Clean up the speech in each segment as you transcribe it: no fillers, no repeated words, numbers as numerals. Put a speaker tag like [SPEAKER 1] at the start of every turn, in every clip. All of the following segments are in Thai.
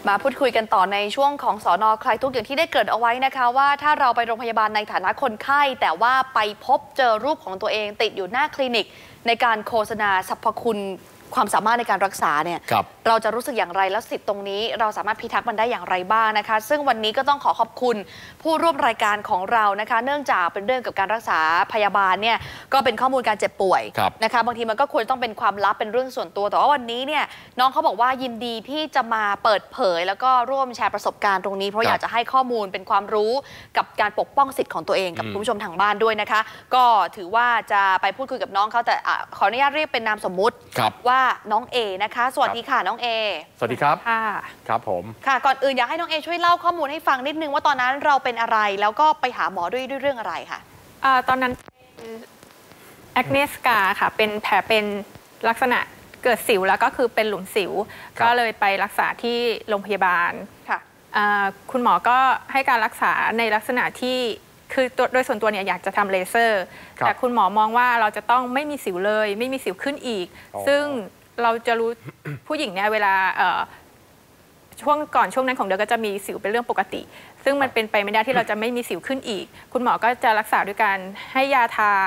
[SPEAKER 1] มาพูดคุยกันต่อในช่วงของสน.คลายทุกข์อย่างที่ได้เกริ่นเอาไว้นะคะว่าถ้าเราไปโรงพยาบาลในฐานะคนไข้แต่ว่าไปพบเจอรูปของตัวเองติดอยู่หน้าคลินิกในการโฆษณาสรรพคุณความสามารถในการรักษาเนี่ยเราจะรู้สึกอย่างไรแล้วสิทธิ์ตรงนี้เราสามารถพิทักษ์มันได้อย่างไรบ้างนะคะซึ่งวันนี้ก็ต้องขอบคุณผู้ร่วมรายการของเรานะคะเนื่องจากเป็นเรื่องกับการรักษาพยาบาลเนี่ยก็เป็นข้อมูลการเจ็บป่วยนะคะบางทีมันก็ควรต้องเป็นความลับเป็นเรื่องส่วนตัวแต่ว่าวันนี้เนี่ยน้องเขาบอกว่ายินดีที่จะมาเปิดเผยแล้วก็ร่วมแชร์ประสบการณ์ตรงนี้เพราะอยากจะให้ข้อมูลเป็นความรู้กับการปกป้องสิทธิ์ของตัวเองกับคุณผู้ชมทางบ้านด้วยนะคะก็ถือว่าจะไปพูดคุยกับน้องเขาแต่ขออนุญาตเรียกเป็นนามสมมุติว่าน้องเอนะคะสวัสดีค่ะน้องเอ
[SPEAKER 2] สวัสดีครับค่ะครับผม
[SPEAKER 1] ค่ะก่อนอื่นอยากให้น้องเอช่วยเล่าข้อมูลให้ฟังนิดนึงว่าตอนนั้นเราเป็นอะไรแล้วก็ไปหาหมอด้วยเรื่องอะไรค่ะ
[SPEAKER 3] ตอนนั้นแอคเนสกาค่ะเป็นแผลเป็นลักษณะเกิดสิวแล้วก็คือเป็นหลุมสิวก็เลยไปรักษาที่โรงพยาบาลค่ะคุณหมอก็ให้การรักษาในลักษณะที่คือโดยส่วนตัวเนี่ยอยากจะทำเลเซอร์แต่คุณหมอมองว่าเราจะต้องไม่มีสิวเลยไม่มีสิวขึ้นอีกซึ่งเราจะรู้ผู้หญิงเนี่ยเวลาช่วงนั้นของเดือนก็จะมีสิวเป็นเรื่องปกติซึ่งมันเป็นไปไม่ได้ที่เราจะไม่มีสิวขึ้นอีกคุณหมอก็จะรักษาด้วยการให้ยาทา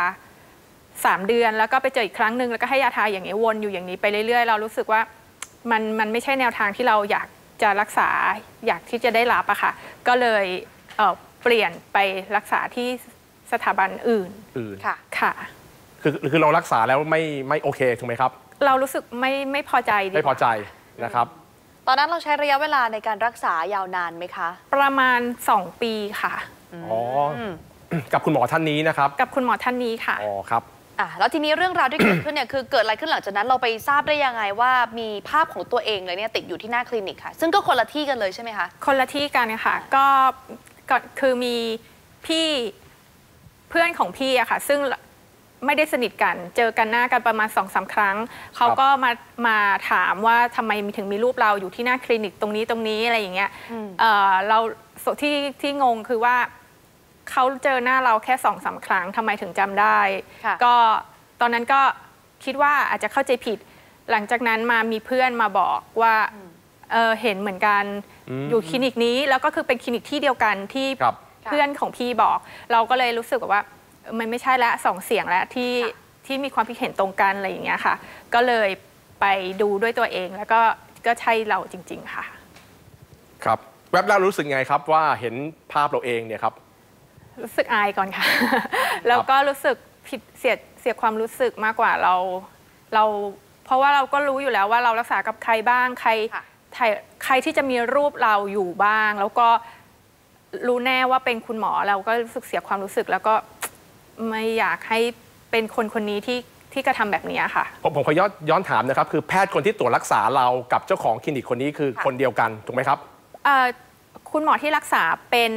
[SPEAKER 3] 3 เดือนแล้วก็ไปเจออีกครั้งหนึ่งแล้วก็ให้ยาทาอย่างนี้วนอยู่อย่างนี้ไปเรื่อยๆเรารู้สึกว่ามันไม่ใช่แนวทางที่เราอยากจะรักษาอยากที่จะได้รับอะค่ะก็เลยเปลี่ยนไปรักษาที่สถาบันอื่นค่ะ
[SPEAKER 2] คือเรารักษาแล้วไม่โอเคถูกไหมครับ
[SPEAKER 3] เรารู้สึกไม่พอใจ
[SPEAKER 2] ไม่พอใจนะครับ
[SPEAKER 1] ตอนนั้นเราใช้ระยะเวลาในการรักษายาวนานไหมคะ
[SPEAKER 3] ประมาณ2 ปีค่ะ
[SPEAKER 2] อ๋อกับคุณหมอท่านนี้นะครับ
[SPEAKER 3] กับคุณหมอท่านนี้ค่ะ
[SPEAKER 2] อ๋อครับ
[SPEAKER 1] แล้วทีนี้เรื่องราวที่เกิดขึ้นเนี่ยคือเกิดอะไรขึ้นหลังจากนั้นเราไปทราบได้ยังไงว่ามีภาพของตัวเองเลยเนี่ยติดอยู่ที่หน้าคลินิกค่ะซึ่งก็คนละที่กันเลยใช่ไหมคะ
[SPEAKER 3] คนละที่กันค่ะก็คือมีพี่เพื่อนของพี่อะค่ะซึ่งไม่ได้สนิทกันเจอกันหน้ากันประมาณ2-3 ครั้งเขาก็มาถามว่าทำไมถึงมีรูปเราอยู่ที่หน้าคลินิกตรงนี้อะไรอย่างเงี้ยเราที่งงคือว่าเขาเจอหน้าเราแค่2-3 ครั้งทำไมถึงจำได้ก็ตอนนั้นก็คิดว่าอาจจะเข้าใจผิดหลังจากนั้นมามีเพื่อนมาบอกว่าเห็นเหมือนกันอยู่คลินิกนี้แล้วก็คือเป็นคลินิกที่เดียวกันที่เพื่อนของพี่บอกเราก็เลยรู้สึกว่ามันไม่ใช่ละ2 เสียงแล้วที่มีความคิดเห็นตรงกันอะไรอย่างเงี้ยค่ะก็เลยไปดูด้วยตัวเองแล้วก็ใช่เราจริงๆค่ะ
[SPEAKER 2] ครับแวบแรกรู้สึกไงครับว่าเห็นภาพเราเองเนี่ยครับ
[SPEAKER 3] รู้สึกอายก่อนค่ะแล้วก็รู้สึกผิดเสียความรู้สึกมากกว่าเราเพราะว่าเราก็รู้อยู่แล้วว่าเรารักษากับใครบ้างใครที่จะมีรูปเราอยู่บ้างแล้วก็รู้แน่ว่าเป็นคุณหมอเราก็รู้สึกเสียความรู้สึกแล้วก็ไม่อยากให้เป็นคนนี้ที่กระทำแบบนี้ค่ะ
[SPEAKER 2] ผมขอย้อนถามนะครับคือแพทย์คนที่ตรวจรักษาเรากับเจ้าของคลินิกคนนี้คือคนเดียวกันถูกไหมครับ
[SPEAKER 3] คุณหมอที่รักษาเป็น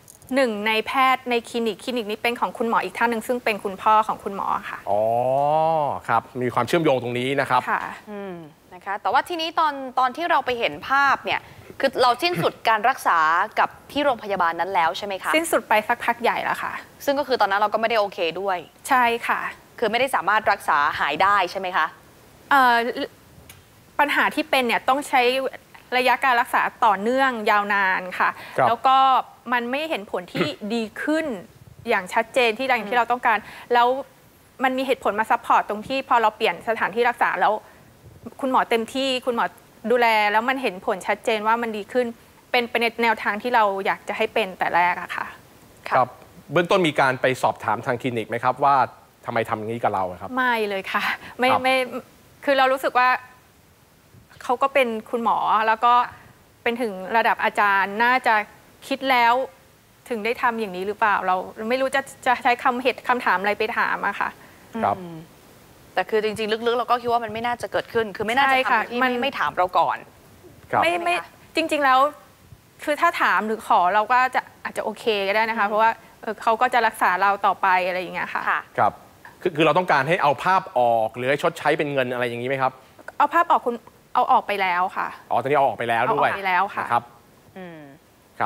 [SPEAKER 3] 1 ในแพทย์ในคลินิกนี้เป็นของคุณหมออีกท่านหนึ่งซึ่งเป็นคุณพ่อของคุณหมอค่ะ
[SPEAKER 2] อ๋อครับมีความเชื่อมโยงตรงนี้นะครับ
[SPEAKER 3] ค่ะ
[SPEAKER 1] นะคะแต่ว่าทีนี้ตอนที่เราไปเห็นภาพเนี่ยคือเราสิ้นสุดการรักษากับที่โรงพยาบาลนั้นแล้วใช่ไหมคะ
[SPEAKER 3] สิ้นสุดไปสักพักใหญ่แล้วค่ะ
[SPEAKER 1] ซึ่งก็คือตอนนั้นเราก็ไม่ได้โอเคด้วย
[SPEAKER 3] ใช่ค่ะ
[SPEAKER 1] คือไม่ได้สามารถรักษาหายได้ใช่ไหมคะ
[SPEAKER 3] ปัญหาที่เป็นเนี่ยต้องใช้ระยะการรักษาต่อเนื่องยาวนานค่ะแล้วก็มันไม่เห็นผลที่ดีขึ้นอย่างชัดเจนอย่างที่เราต้องการแล้วมันมีเหตุผลมาซัพพอร์ตตรงที่พอเราเปลี่ยนสถานที่รักษาแล้วคุณหมอเต็มที่คุณหมอดูแลแล้วมันเห็นผลชัดเจนว่ามันดีขึ้นเป็นแนวทางที่เราอยากจะให้เป็นแต่แรกอะค่ะ
[SPEAKER 2] ครับเบื้องต้นมีการไปสอบถามทางคลินิกไหมครับว่าทำไมทำอย่างนี้กับเราครับ
[SPEAKER 3] ไม่เลยค่ะไม่คือเรารู้สึกว่าเขาก็เป็นคุณหมอแล้วก็เป็นถึงระดับอาจารย์น่าจะคิดแล้วถึงได้ทำอย่างนี้หรือเปล่าเราไม่รู้จะใช้คำถามอะไรไปถามอะค่ะ
[SPEAKER 2] ครับ
[SPEAKER 1] แต่คือจริงๆลึกๆเราก็คิดว่ามันไม่น่าจะเกิดขึ้นคือไม่น่าจะทำที่ไม่ถามเราก่อน
[SPEAKER 3] ไม่จริงๆแล้วคือถ้าถามหรือขอเราก็อาจจะโอเคก็ได้นะคะเพราะว่าเขาก็จะรักษาเราต่อไปอะไรอย่างเงี้ยค่ะ
[SPEAKER 2] ครับคือเราต้องการให้เอาภาพออกหรือให้ชดใช้เป็นเงินอะไรอย่างนี้ไหมครับ
[SPEAKER 3] เอาภาพออกเอาออกไปแล้วค่ะ
[SPEAKER 2] ตอนนี้เอาออกไปแล้วด้วย
[SPEAKER 3] เอาออกไปแล้วค่ะ
[SPEAKER 2] ครับครับ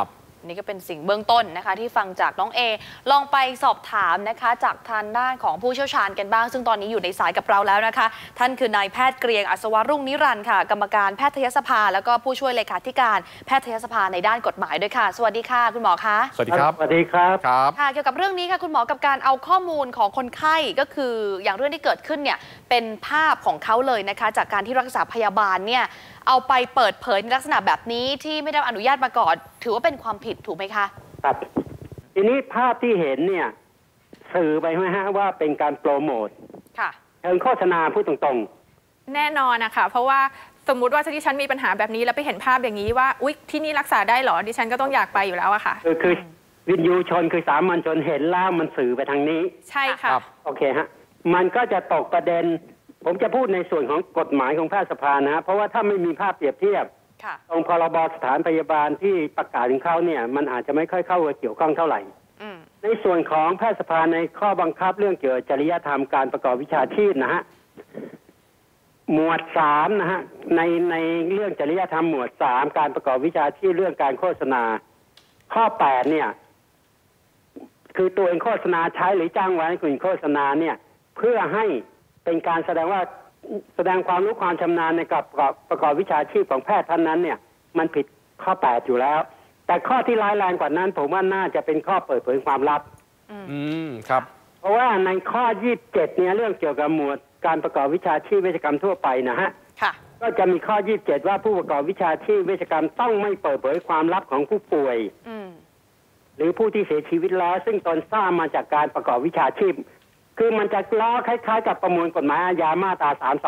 [SPEAKER 1] นี่ก็เป็นสิ่งเบื้องต้นนะคะที่ฟังจากน้องเอลองไปสอบถามนะคะจากทางด้านของผู้เชี่ยวชาญกันบ้างซึ่งตอนนี้อยู่ในสายกับเราแล้วนะคะท่านคือนายแพทย์เกรียงอัศวรุ่งนิรันดร์ค่ะกรรมการแพทยสภาแล้วก็ผู้ช่วยเลขาธิการแพทยสภาในด้านกฎหมายด้วยค่ะสวัสดีค่ะคุณหมอคะ
[SPEAKER 2] สวัสดีครับ
[SPEAKER 4] สวัสดีครับ
[SPEAKER 1] ค่ะเกี่ยวกับเรื่องนี้ค่ะคุณหมอกับการเอาข้อมูลของคนไข้ก็คืออย่างเรื่องที่เกิดขึ้นเนี่ยเป็นภาพของเขาเลยนะคะจากการที่รักษาพยาบาลเนี่ยเอาไปเปิดเผยในลักษณะแบบนี้ที่ไม่ได้อนุญาตมาก่อนถือว่าเป็นความผิดถูกไหมคะ
[SPEAKER 4] ครับทีนี้ภาพที่เห็นเนี่ยสื่อไปไหมฮะว่าเป็นการโปรโมท
[SPEAKER 1] ค่ะ
[SPEAKER 4] เชิงโฆษณาพูดตรง
[SPEAKER 3] ๆแน่นอนนะคะเพราะว่าสมมุติว่าที่ฉันมีปัญหาแบบนี้แล้วไปเห็นภาพอย่างนี้ว่าอุ๊ยที่นี่รักษาได้เหรอดิฉันก็ต้องอยากไปอยู่แล้วอะค่ะ
[SPEAKER 4] คือวินยูชนคือสามัญชนเห็นแล้วมันสื่อไปทางนี้
[SPEAKER 3] ใช่ค่ะ
[SPEAKER 4] โอเคฮะมันก็จะตกประเด็นผมจะพูดในส่วนของกฎหมายของแพทยสภานะเพราะว่าถ้าไม่มีภาพเปรียบเทียบตรงพรบสถานพยาบาลที่ประกาศถึงเขาเนี่ยมันอาจจะไม่ค่อยเข้าเกี่ยวข้องเท่าไหร่ในส่วนของแพทยสภาในข้อบังคับเรื่องเกี่ยวกับจริยธรรมการประกอบวิชาชีพนะฮะหมวด3นะฮะในเรื่องจริยธรรมหมวด3การประกอบวิชาชีพเรื่องการโฆษณาข้อ8เนี่ยคือตัวเองโฆษณาใช้หรือจ้างไว้ให้คุณโฆษณาเนี่ยเพื่อให้เป็นการแสดงความรู้ความชำนาญในการประกอบวิชาชีพของแพทย์ท่านนั้นเนี่ยมันผิดข้อ8อยู่แล้วแต่ข้อที่ร้ายแรงกว่านั้นผมว่าน่าจะเป็นข้อเปิดเผยความลับ
[SPEAKER 2] ครับ
[SPEAKER 4] เพราะว่าในข้อ27เนี่ยเรื่องเกี่ยวกับหมวดการประกอบวิชาชีพเวชกรรมทั่วไปนะฮะก็จะมีข้อ27ว่าผู้ประกอบวิชาชีพเวชกรรมต้องไม่เปิดเผยความลับของผู้ป่วยหรือผู้ที่เสียชีวิตแล้วซึ่งตนทราบมาจากการประกอบวิชาชีพคือมันจะล้อคล้ายๆกับประมวลกฎหมายอาญามาตรา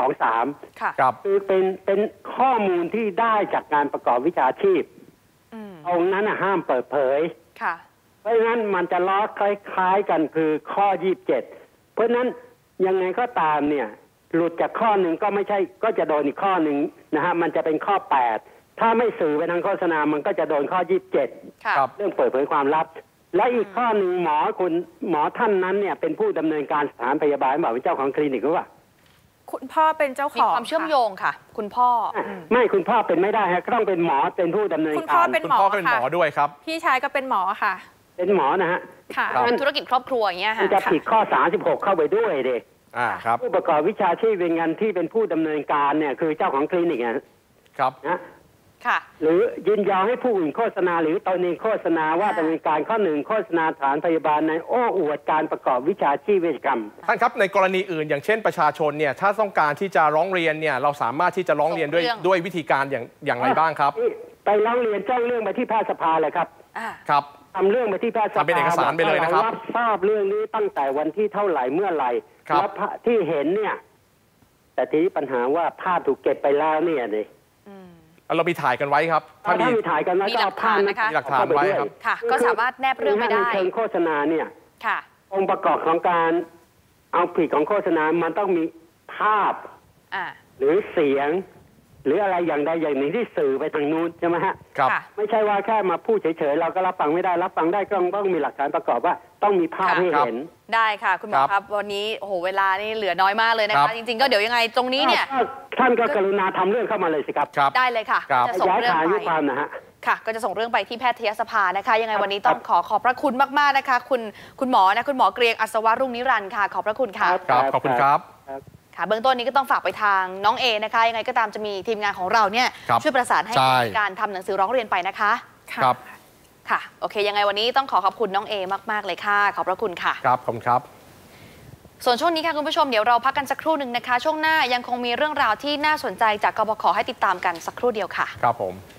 [SPEAKER 4] 323
[SPEAKER 2] ครับ
[SPEAKER 4] คือเป็นข้อมูลที่ได้จากการประกอบวิชาชีพตรงนั้นห้ามเปิดเผยเพราะฉะนั้นมันจะล้อคล้ายๆกันคือข้อ27เพราะฉะนั้นยังไงก็ตามเนี่ยหลุดจากข้อหนึ่งก็ไม่ใช่ก็จะโดนอีกข้อหนึ่งนะฮะมันจะเป็นข้อ8ถ้าไม่สื่อไปทางโฆษณามันก็จะโดนข้อ27เรื่องเปิดเผยความลับและอีกข้อหนึ่งหมอท่านนั้นเนี่ยเป็นผู้ดำเนินการสถานพยาบาลบอกเป็นเจ้าของคลินิกหรือเปล่า
[SPEAKER 3] คุณพ่อเป็นเจ้าของ
[SPEAKER 1] มีความเชื่อมโยงค่ะคุณพ่อ
[SPEAKER 4] ไม่คุณพ่อเป็นไม่ได้ฮะต้องเป็นหมอเป็นผู้ดำเนินการ
[SPEAKER 3] คุณพ่อเป็นหมอ
[SPEAKER 2] ด้วยครับ
[SPEAKER 3] พี่ชายก็เป็นหมอค่ะ
[SPEAKER 4] เป็นหมอนะฮะ
[SPEAKER 3] ค่ะ
[SPEAKER 1] เป็นธุรกิจครอบครัวอย่างเงี้ยค่ะ
[SPEAKER 4] จะผิดข้อ36เข้าไปด้วยเด็ก
[SPEAKER 2] ครับ
[SPEAKER 4] ผู้ประกอบวิชาชีพเป็นงานที่เป็นผู้ดำเนินการเนี่ยคือเจ้าของคลินิก
[SPEAKER 2] ครับ
[SPEAKER 4] นะหรือยินยอมให้ผู้อื่นโฆษณาหรือตนเองโฆษณาว่าดำเนินการข้อ1โฆษณาสถานพยาบาลในโอ้อวดการประกอบวิชาชีพเวชกรรม
[SPEAKER 2] ท่านครับในกรณีอื่นอย่างเช่นประชาชนเนี่ยถ้าต้องการที่จะร้องเรียนเนี่ยเราสามารถที่จะร้องเรียนด้วยวิธีการอย่างไรบ้างครับ
[SPEAKER 4] ไปร้องเรียนแจ้งเรื่องไปที่แพทยสภาเลยครับ
[SPEAKER 2] ครับ
[SPEAKER 4] ทำเรื่องไปที่แพทยสภา
[SPEAKER 2] เป็นเอกสารไปเลยนะครับ
[SPEAKER 4] รับทราบเรื่องนี้ตั้งแต่วันที่เท่าไหร่เมื่อไหร่แล้วที่เห็นเนี่ยแต่ทีนี้ปัญหาว่าภาพถูกเก็บไปแล้วเนี่ยเลย
[SPEAKER 2] เรามีถ่ายกันไว้ครับ
[SPEAKER 4] ถ้ามีถ่ายกันไว้
[SPEAKER 1] ก็เอาภาพ
[SPEAKER 2] นะคะมีหลักฐานไว้ครับ
[SPEAKER 1] ค่ะก็สามารถแนบเรื่องไปได้
[SPEAKER 4] ในเชิงโฆษณาเนี่ย
[SPEAKER 1] ค่ะ
[SPEAKER 4] องค์ประกอบของการเอาผิดของโฆษณามันต้องมีภาพหรือเสียงหรืออะไรอย่างใดอย่างหนึ่งที่สื่อไปทางนู้นใช่ไหมฮะ
[SPEAKER 2] ครับ
[SPEAKER 4] ไม่ใช่ว่าแค่มาพูดเฉยๆเราก็รับฟังไม่ได้รับฟังได้ก็ต้องมีหลักฐานประกอบว่าต้องมีภาพให้เห็น
[SPEAKER 1] ได้ค่ะคุณหมอครับวันนี้โอ้โหเวลานี่เหลือน้อยมากเลยนะคะจริงๆก็เดี๋ยวยังไงตรงนี้เนี่ย
[SPEAKER 4] ท่านก็กรุณาทำเรื่องเข้ามาเลยสิครับ
[SPEAKER 1] ได้เลยค่ะ
[SPEAKER 4] จะส่งเรื่องไป
[SPEAKER 1] ค่ะก็จะส่งเรื่องไปที่แพทยสภานะคะยังไงวันนี้ต้องขอบพระคุณมากๆนะคะคุณหมอคุณหมอเกรียงอัศวรุ่งนิรันดร์ค่ะขอบพระคุณค่ะ
[SPEAKER 2] ขอบคุณครับ
[SPEAKER 1] ค่ะเบื้องต้นนี้ก็ต้องฝากไปทางน้องเอนะคะยังไงก็ตามจะมีทีมงานของเราเนี่ยช่วยประสานให้การทำหนังสือร้องเรียนไปนะคะ
[SPEAKER 2] ครับ
[SPEAKER 1] ค่ะโอเคยังไงวันนี้ต้องขอบคุณน้องเอมากๆเลยค่ะขอบพระคุณค่ะ
[SPEAKER 2] ครับขอบคุณครับ
[SPEAKER 1] ส่วนช่วงนี้ค่ะคุณผู้ชมเดี๋ยวเราพักกันสักครู่หนึ่งนะคะช่วงหน้ายังคงมีเรื่องราวที่น่าสนใจจากกบข.ให้ติดตามกันสักครู่เดียวค่ะ
[SPEAKER 2] ครับผม